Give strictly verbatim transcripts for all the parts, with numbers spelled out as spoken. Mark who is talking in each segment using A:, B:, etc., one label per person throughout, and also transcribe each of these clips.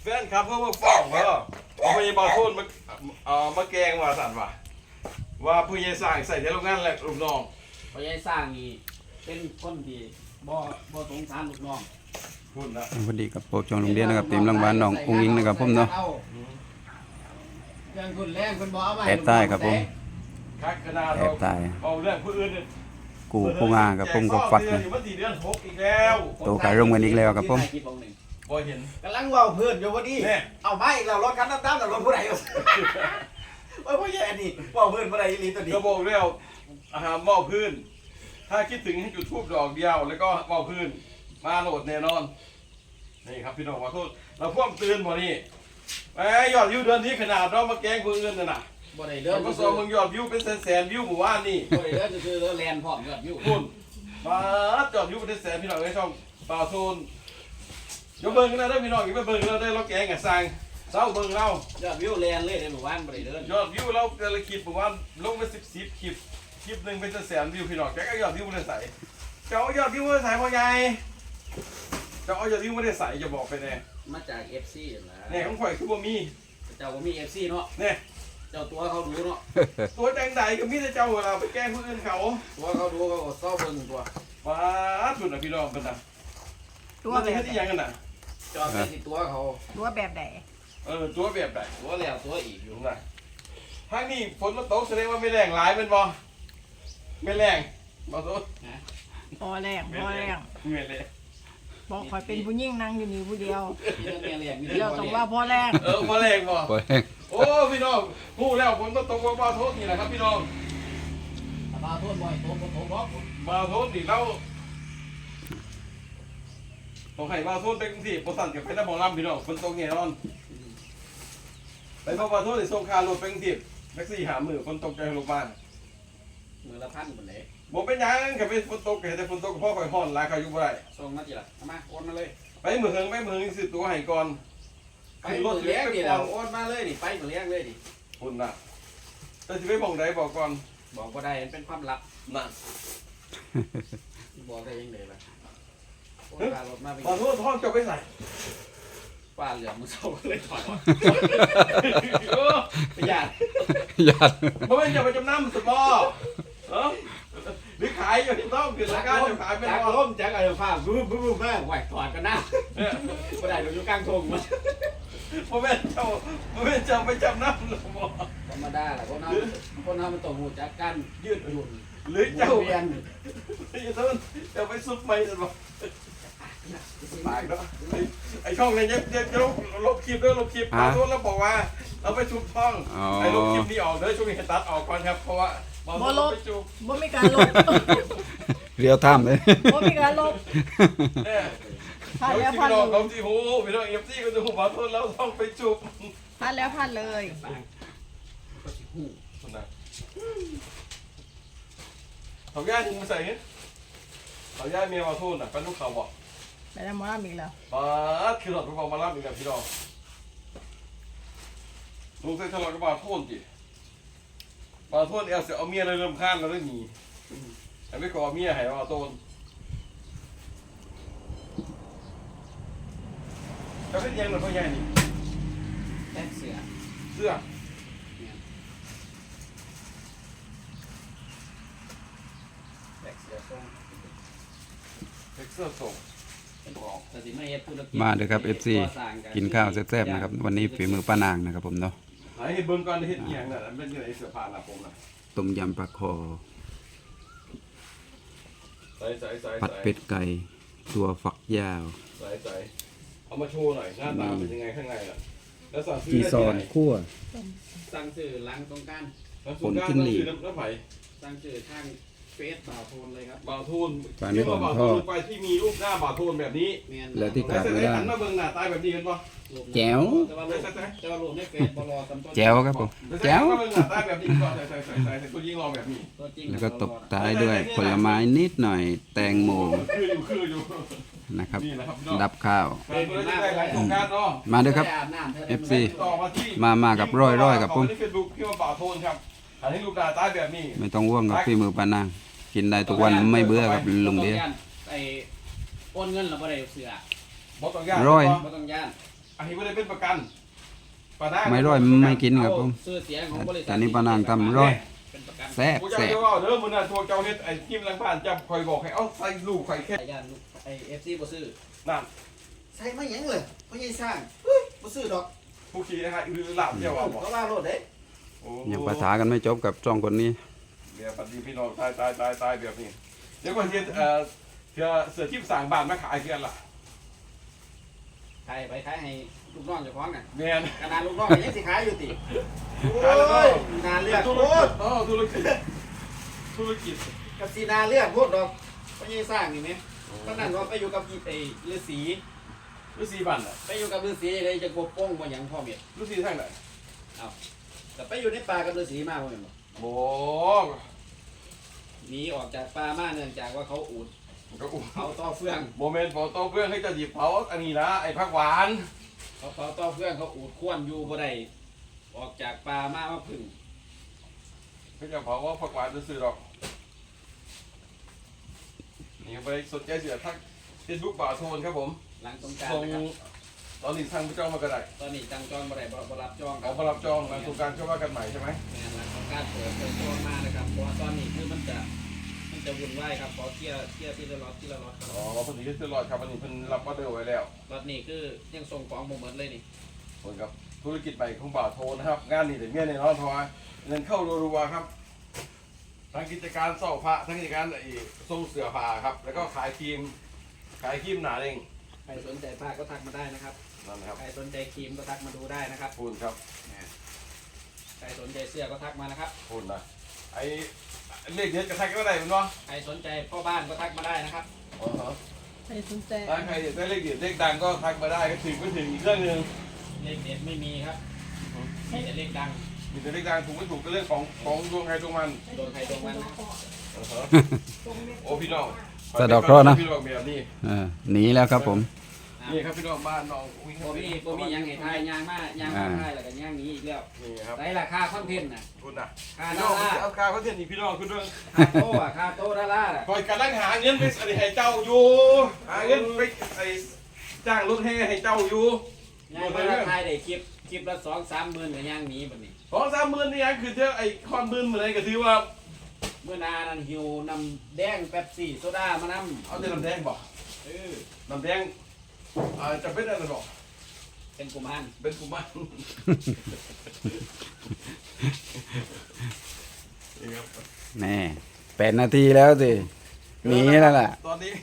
A: แฟนครับเพื่อว่าฟ้องว่าเอาพยาบาลโทษมาเอ่อมาแกงว่าสั่นว่าว่าผู้ใหญ่สร้างใส่ในโรงงานแหละลูกน้อง
B: พยายสร้างนี่เป็นคนที่บ่บ่สงสารลูกน้อง
A: คุณนะ
C: สวัสดีกับโปรจองโรงเรียนนะครับทีมรังบ้านน้ององค์อิงนะครับผมเนาะ
B: เรื่องคุณแรงคุณบ่เอาไว้
C: แอบใต้ครับผม
A: คักขนาด
C: แอ
A: เรา
C: บตาย
A: เอาเรื่องผู้อื่นเนี่ย
C: กูผู้งากับผมก็ฟัด
A: เดือ
C: นะ
A: นอยู่มันสี่เดือนหกอีกแล้ว
C: โตกายร่วมกันอีกแล้วครับผม
A: บ่เห็น
B: กำลังเว้าเพื่อนอยู่พอดี
A: แน่
B: เอาไม้อีกแล้วรถคันดำๆน่ะรถผู้ใดอยู่โอ้ยพ่อใหญ่อันนี้เว้าเพื่อนบ่ได้อีหลีตัวนี้
A: ก็บอกแล้วอาหารเมาพื้น ถ้าคิดถึงให้จุดทูบดอกเดียว แล้วก็เมาพื้น มาโหลดแน่นอน นี่ครับพี่น้องขอโทษเราพ่วงตื่นบ่นี่ไอ้ยอดวิวเดือนนี้ขนาดเรามาแกล้งผู้อื่นน่ะนะ
B: บ่ได้เด้อ
A: เราก็สอมึงยอดวิวเป็นแสนๆวิวหมู่บ้านนี่
B: บ่ได้เด้อซื่อๆแลนพร้อมยอดวิว
A: คุณมาจอดวิวเป็นแสนพี่น้องในช่องป่าโซนเดี๋ยวเบิ่งกันนะเด้อพี่น้องอย่าไปเบิ่งเราได้เราแกล้งกับสร้างเศร้าเบิ่งเรา
B: ยอดวิวแลนเลยในหมู่บ้านบ่ได้เด้อย
A: อดวิวเราแต่ละคลิปผมว่าลงไปสิบสิบคลิปคลิปหนึ่งเป็นแสนวิวพี่น้องแกก็ยอดวิวไม่ได้ใส่เจ้ายอดวิวไม่ได้ใส่พ่อใหญ่เจ้าเอายอดวิวไม่ได้ใส่จะบอกไปแน่
B: มาจาก เอฟ ซี นั่นล่ะ
A: เนี่ยของข่อยคือบ่มี
B: เจ้าบ่มี เอฟ ซี เนาะ
A: เนี่ย
B: เจ้าตัวเขาดูเนาะ
A: ตัวแดงใดก็มีแต่เจ้าเวลาไปแกล้งผู้อื่นเขา
B: ตัวเขาดูเขาก็เศร้าเบิ่งตัว
A: ว้าสุดนะพี่น้องเป็นนะ
D: ตัว
A: มัน
D: แบ
A: จะ
D: บ
A: ให้ที่ยังกันน่ะ
B: จอดไปที่ตัวเขา
D: ตัวแบบไหน
A: เออตัวแบบไหน
B: ตัวแล้วตัวอีกอ
A: อยู่ ยู่ไหนทางนี้ฝนมันตกแสดงว่าไม่แรงหลายเป็นบ่ไม่แรงบ่โทษ
D: พอแรงพอแรง
A: ไม่แรง
D: บอกคอยเป็นผู้ยิ่งนั่งอยู่นี่ผู้เดียว
B: มีเรื่องแม่เรียกมี
D: เดี
B: เรื่
D: ย
B: อ
D: ว
B: ง
D: ต้อง
B: ว่า
D: ว่าพอแรง
A: เออบ่แรงบ่
C: โอ้ย
A: โอ้พี่น้องฮู้แล้วฝนมันตกว่าบ่โทษนี่แหละครับพี่น้อง
B: ปลาโทษบ่อยโตบ่โตบ่
A: บ่โทษนี่เราต้องให้บ่โทษไปกรุงเทพบ่สั่นกับไปนำบ่ลำพี่น้องฝนตกแน่นอนไปบ่บ่โทษสิส่งค่ารถไปกรุงเทพแท็กซี่หามื้อฝนตกใจโรงพยาบาล
B: มือละพันบ่ได้
A: บ่เป็นหยังก็เป็นฝนตกก็แต่ฝนตกพ่อข่อยฮ้อนหลายข่อยอยู่บ่ได้
B: ส่งมาจิล่ะเอามาโอนมาเลย
A: ไปมื้อเฮิงไปมื้อเฮิงสิตัวให้ก่อน
B: ไปมือเลี้ยงนี่แล้วโอนมาเลยนี่ไปมือเลี้ยงเลยนี่
A: พุ่นน่ะแต่สิไปหม่องใดบอกก่อน
B: บอกบ่ได้มันเป็นความลับ
A: น่ะ
B: บอกได้ยังไงล่ะโอนค่ารถมาไป
A: ขอโทษท้องจะไปใส่
B: ป้าเหลือมือเศร้าเลยถอยออก
A: เออ
B: ประหยัด
C: ญาติ
A: บ่แม่นจะไปจำนำสมอเออหรือขายอยู่ที่ต้องคือราคาจะขายเป็น
B: จาก
A: บ่
B: ล้มจากอะไรฟ้าบึ้มบึ้มบึ้มแม่ไหวถอดกันนะ
A: เนี่ย
B: บ่ได้เราอยู่กลางทงมัน
A: บ่แม่นเจ้าบ่แม่นเจ้าไปจำนำสมอ
B: ธรรมดาแหละคนเราคนเรามันต้องหูจักกันยืดหยุ่น
A: หรือ
B: เจ้า
A: เจ้า
B: เรียน
A: ไอ้เจ้าเจ้าไปซุปไม่สมอตายเนาะไอ้ไอ้ช่องนี้เนี่ยเนี่ยจะลบลบคลิปเด้อลบคลิปขอโทษแล้วบอกว่าเราไปซุปช่อง
C: อ๋อ
A: ไอ้ลบคลิปนี้ออกเด้อช่วงนี้ให้ตัดออกก่อนครับเพราะว่าบ่ลบไปจุบ
D: บ่มีการลบ
C: เรียวทำเลย
D: บ่มีการลบ
A: เนี่ย
D: พลาด
A: เดี๋ยว
D: แล้ว
A: ที่
D: พลาด
A: พี่น้อง
D: เล
A: เขา
D: ย
A: ที่หูพี่น้องเอฟซีก็จะหูขอโทษแล้วต้องไปจุบ
D: พลาดแล้วพลาดเลย
A: นะเขาย่ายิงมาใส่เงี้ยเขาย่าเมียมาโทษน่ะเป็นลูกเขาบอก
D: ไปแล้วหมอลำอีกแล้ว
A: ป้าดคือหลอดไปบอกมารับอีกแล้วพี่น้องลุงใส่ทะเลาะกับมาโทษจีมาโทษเอลเสียเอาเมียเลยเริ่มข้านแล้วได้หนีแต่ไม่ขอเมียให้มาโทษจะเป็นยังหรือเปล่ายังนี่
B: แท็กเสือ
A: เสื้อ
B: แท็กเสือส่ง
A: เด็กเสื้อส่ง
B: บอกแต่สิไม่เฮ็ดธุรกิจ
C: มาเด้อครับ เอฟ ซี กินข้าวแซ่บๆนะครับวันนี้ฝีมือป้านางนะครับผมเนาะ
A: หาให้เบิ่งก่อนเฮ็ดอีหยังน่ะมันเป็นยังไงเสื้อผ้าหน้าผมน่ะ
C: ต้มยำปลาคอ
A: ใส่ใส่ใส่
C: ผัดเป็ดไก่ตัวฝักยาว
A: ใส่ใส่เอามาโชว์หน่อยหน้าตาเป็นยังไงข้างในน่ะแล้วสั่งซื้อ
C: จี
A: ได้
C: ซอ
A: ที่
C: น
A: ไหน
C: คั่ว
B: สั่งซื้อหลังตรงกัน
A: แล้วสุดท้าย
C: ผลจิ้งหรีด
A: ต้องซื้อน้ำน้ำไผ่
B: สั่งซื้อทางเฟซบ่าวโทนเลยครับ
A: บ่าวทูน
C: ปลาไม่
A: ที่ว่า
C: อ่อน
A: บ่าว
C: ท
A: ทู
C: อด
A: นไปที่มีรูปหน้าบ่าวทูนแบบนี้
B: แม่น
C: แล้วที่
A: แล้ว
C: ขาด
A: ใส่
C: ไม่
A: ใส่
C: ได้
A: หันมาเบิ่งหน้าตาแบบนี้เห็นปะ
C: แจ๋ว
B: แต่ว่ารูปแต่ว่ารูปในเฟซบ่รอสำต้น
C: แจ๋วครับผม
A: แล้วใส่
C: แจ๋ว
A: หันมาเบิ่งหน้าตาแบบนี้ก็ใส่ใส่ใส่ใส่ใส่ตัวยิงรอแบบนี้
B: ตัวจริง
C: แล้วก็ตบท้ายด้วยผลไม้นิดหน่อย แตงโม
A: คืออยู่คืออยู่
C: นะครับ
A: นี่นะครับพี่น้อง
C: ดับข้าว
A: ใครเพื่อจะได้ของโครงการเนาะ
C: มาเด้อครับ เอฟ ซี
A: ต่อมาที่
C: มามากับร้อยร้อยกับผม
A: ที่เฟซบุ๊กที่ว่าบ่าวทูนครับอันนี้รูปหน้าตาแบบนี้
C: ไม่ต้องว่วงกับฝีมือป้านาง กินได้ทุกวันไม่เบื่อกับลุงเดีย
B: ไอ้โอนเงินเราบ่ได้เสือ
A: บ่ต้องยาก
C: ร้อย
B: บ่ต้องย่าน
A: อันนี้ไม่ได้เป็นประกันปลาหน้า
C: ไม่ร้อยไม่กินครับผม
E: ชื่อเสียงของบริษัท
C: แต่นี่ปานางทำร้อย
E: เป็นประกัน
C: แซ่บ
A: กูจะ
C: แซ่บ
A: เรียกว่าเด้อมึงน่ะตัวเจ้าเฮ็ดไอ้ทีมหลังบ้านจะคอยบอกให้เอาใส่ลูกไข่แค่
E: ไอ้ยันไอเอฟซีบ่ซื้อ
A: นั่น
B: ใส่ไม่ยังเลยเพราะยังสร้างเฮ้ยบ่ซื้อดอก
A: ผู้ขี่นะฮะอือหลับเจ้าว่าบอก
B: เพราะว่าโลดเด้
A: โอ้
C: ยังปะทะกันไม่จบกับสองคนนี้
A: เดี๋ยวปฏิพี่น้องตายตายตายตายแบบนี้เดี๋ยวก่อนที่เอ่อเสือเสือที่สั่งบ้านมาขายเพื่อนล่ะ
E: ขายไปขายให้ลูกน้องเจ้าของน่ะ
A: แม่น
E: ขนาดลูกน้องยังสิขายอยู่ติ
B: โอ้ยนาเลือด
A: ธุ
B: โค
A: รกิ
B: ต
A: จ
B: ร
A: อ๋อธุรกิจธุรกิจ
B: กับสีนาเลือดโคตรดอกเพราะยังสร้างนี่ไหมตอนนั้นว่าไปอยู่กับไอ้ฤาษี
A: ฤาษีบ้านน่ะ
E: ไปอยู่กับฤาษีเลยจะกบป้องบ่หยังพ่อเมีย
A: ฤาษีทางไหน
E: แต่ไปอยู่ในป่ากับฤาษีมาบ่แม่นบ่
A: โอ้
E: หนีออกจากป่ามาเนื่องจากว่าเขาอูด
A: ก็อุ้ม
E: เขาต่อเฟือง
A: โมเมนต์พอโตเพื่อนให้จะหยิบเผาอันนี้นะไอ้ผักหวาน
E: เขาเขาต่อเฟืองเขาอูดควนอยู่บ่ได้ออกจากป่ามามาพึ่ง
A: เขาจะเผาว่าผักหวานจะซื้อหรอกนี่ไปสนใจเสือทักเฟซบุ๊กบ่าวโทนครับผม
E: หลังสงกราร
A: ส่ง
E: นะครับ
A: ตอนนี้ทางพระเจ้ามาก็ได้
E: ตอนนี้จังจองบ่ได้บ่บ่รับจองค
A: เอา
E: รับ
A: มารับจองหลังสงกรารเข้าว่ากันใหม่ใช่ไหม
E: งานหลังของการเปิดเปิดตัวมานะครับเพราะว่าตอนนี้คือมันจะมันจะวุ่นวายครับขอเคลียร์เคลียร์ที่ละล็อตที่ละล็อตครับ
A: อ๋อพอดีที่ซื้อรอดครับวันนี้เพิ่นรับออเดอร์ไว้แล้ว
E: ล็อตนี้คือยังส่งของบ่หมดเลยนี่
A: เหมือนกับธุรกิจใหม่ของบ่าวโทนะครับ งานนี้แต่เมียในนอนเพราะว่าเงินเข้ารัวๆครับทั้งกิจการเศร้าพระทั้งกิจการไอ้ส่งเสือผ้าครับ แล้วก็ขายครีมขายครีมหนาเอง
E: ใครสนใจผ้าก็ทักมาได้นะครับ
A: นั่นนะครับ
E: ใครสนใจครีมก็ทักมาดูได้นะครับ
A: พูนครับ
E: ใครสนใจเสื้อก็ทักมานะครับ
A: พูนนะไอ้เลขเด็ดกระทักก็ได้เป็นวะ
E: ใครสนใจพ่อบ้านก็ทักมาได้นะครับ
A: อ๋อฮะ
D: ใครสนใจ
A: ถ้าใครอยากได้เลขเด็ดเลขดังก็ทักมาได้ก็ถึงก็ถึงอีกเรื่องหนึ่ง
E: เลขเด็ดไม่มีครับมีแต่เลขดัง
A: มีแต่เลขดังถูกไม่ถูกก็เรื่องของของดวงใครดวงมัน
E: โดนใครโดนมันนะ
A: อ๋อฮะโอ้พี่น้อง
C: สะเดาะเคราะห์นะ
A: พี่น้องแบบนี้
C: เออหนีแล้วครับผม
A: นี่ครับพี่น้องบ้านน้องอุ้ย
E: โบมี่โบมี่ยังไงทายยางมายางมาทายแล้วก็ยางหนี้อีกแล้ว
A: นี่ครับ
E: ไรราคาคอนเทนต์น่ะ
A: คุณน่ะ
E: ค่า
A: พี่
E: ด
A: น้
E: อ
A: อง
E: ลลาร์
A: เอาคาเขาเทียนนี่พี่น้องคุณด้วย
E: ค่าโต้อะค่าโต้ดอลลาร์อะ
A: คอยกำลังหาเงินไปอะไรให้เจ้าอยู่หาเงินไปไอ้จ้างรถแห่ให้เจ้าอยู่
E: ยางมาแล้วทายได้คลิปคลิปละสองสามหมื่นกับยางหนี้แบบนี้
A: สองสามหมื่นนี่ยังคือเจ้าไอ้คอนหมื่นเหมือนไรก็ถือว่า
E: เมื่อนานั้นหิวนำแดงแป๊บซี่โซดามานำ
A: เอาแต่น้ำแดงบ่
E: เออ
A: น้ำแดงอ่าจะเป็นอะไรบ่
E: เป็นกุมาร
A: เป็นกุมารนี่ครับ
C: แน่แปดนาทีแล้วสิหนีแล้วล่ะ
A: ตอนนี้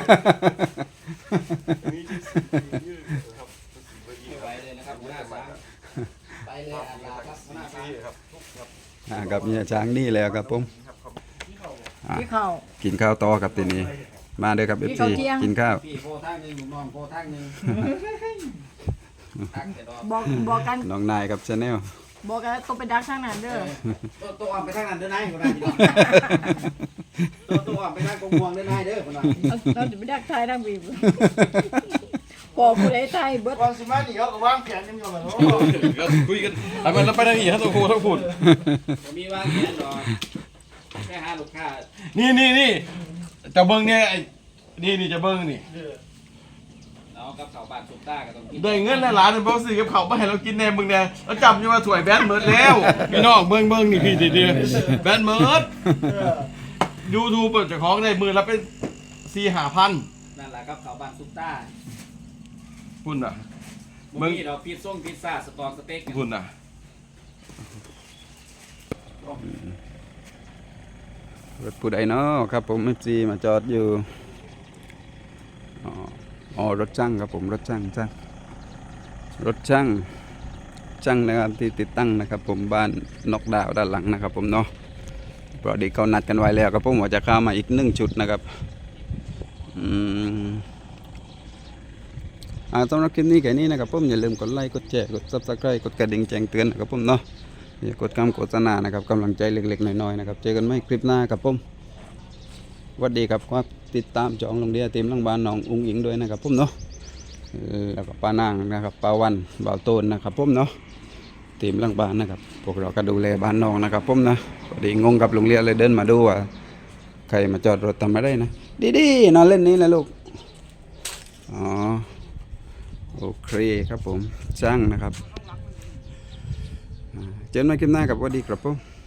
A: มีที่ยืดครับ
E: ไปเลยนะครับหัวหน้าช้างไปเลยอาลาครับหัวหน้าช้าง
A: ครับ
C: อ่ากับเนี่ยช้างนี่แล้วครับผมอ่ะ
D: พี่เขา
C: กินข้าวต่อครับทีนี้ มาเด้อครับเอฟซีกินข้าว
E: พี่โพทางหนึ่งหนุ่มน้องโพทางหนึ่งทักแต่ดอก
D: บอกบอกกัน
C: น้องนายกับชาแนล
D: บอกกันต้องไปดักทางนั้นเด้อ
E: ตัวตัวอ่อนไปทางนั้นเด้อนายคนนั้นตัวตัวอ่อนไปทางกงวงเด้อนายเด้อคนนั้น
D: เราเราจะไปดักทายทางบีบบอกผู้ใดทายเบิด
B: ก่อนสิมานี่เขาก็วางแผนกันอยู่แล้ว
A: ก็คุยกันทำไมเราไปทางนี้ฮะตัวครูทั้งฝุ่น
E: ผมมีว่าแค่ดอกแค่หาลูกค้า
A: นี่นี่นี่จะเบิ้งเนี่ยไอ้นี่นี่จะเบิ้งนี่
E: เอากับข้าวบานสุกต้าก็ต้องกิน
A: ได้เงินแล้วหลานบอกสิกับเขาไม่ให้เรากินแน่มึงเนี่ยเราจำอยู่ว่าถวยแบนเมิร์ดแล้วพี่น้องเบิ้งเบิ้งนี่พี่ดีๆแบนเมิร์ดยูทูบเปิดจากของได้มือละเป็นสี่ห้าพัน
E: นั่นแหละกับข้าวบานสุกต้า
A: คุณอ่ะ
E: มึงมีดอกพิซซ่งพิซซ่าสตอสเต็ก
A: คุณอ่ะ
C: รถผู้ใดเนาะครับผมเอฟซีมาจอดอยู่อ๋ออ๋อรถช่างครับผมรถช่างช่างรถช่างช่างนะครับที่ติดตั้งนะครับ ผมบ้านนอกดาวด้านหลังนะครับ ผมเนาะเพราะเด็กเขานัดกันไว้แล้วครับผมว่าจะเข้ามาอีกหนึ่งชุดนะครับอืมอ่าสำหรับคลิปนี้แค่นี้นะครับผมอย่าลืมกดไลค์กดแชร์กดซับสไครต์กดกระดิ่งแจ้งเตือนนะครับผมเนาะอย่ากดคำโฆษณานะครับกำลังใจเล็กๆน้อยๆนะครับเจอกันใหม่คลิปหน้าครับผมสวัสดีครับครับติดตามจองโรงเรียนทีมลังบานน้องอุ้งอิงด้วยนะครับผมเนาะเออแล้วก็ป้านางนะครับป้าวันบ่าวโตนนะครับผมเนาะทีมลังบานนะครับพวกเราก็ดูแลบ้านน้องนะครับผมนะพอดีงงกับโรงเรียนเลยเดินมาดูว่าใครมาจอดรถทำอะไรนะดีๆนอนเล่นนี้แหละลูกอ๋อโอโอเคครับผมช่างนะครับอ่าเจอกันใหม่คลิปหน้ากับสวัสดีครับผม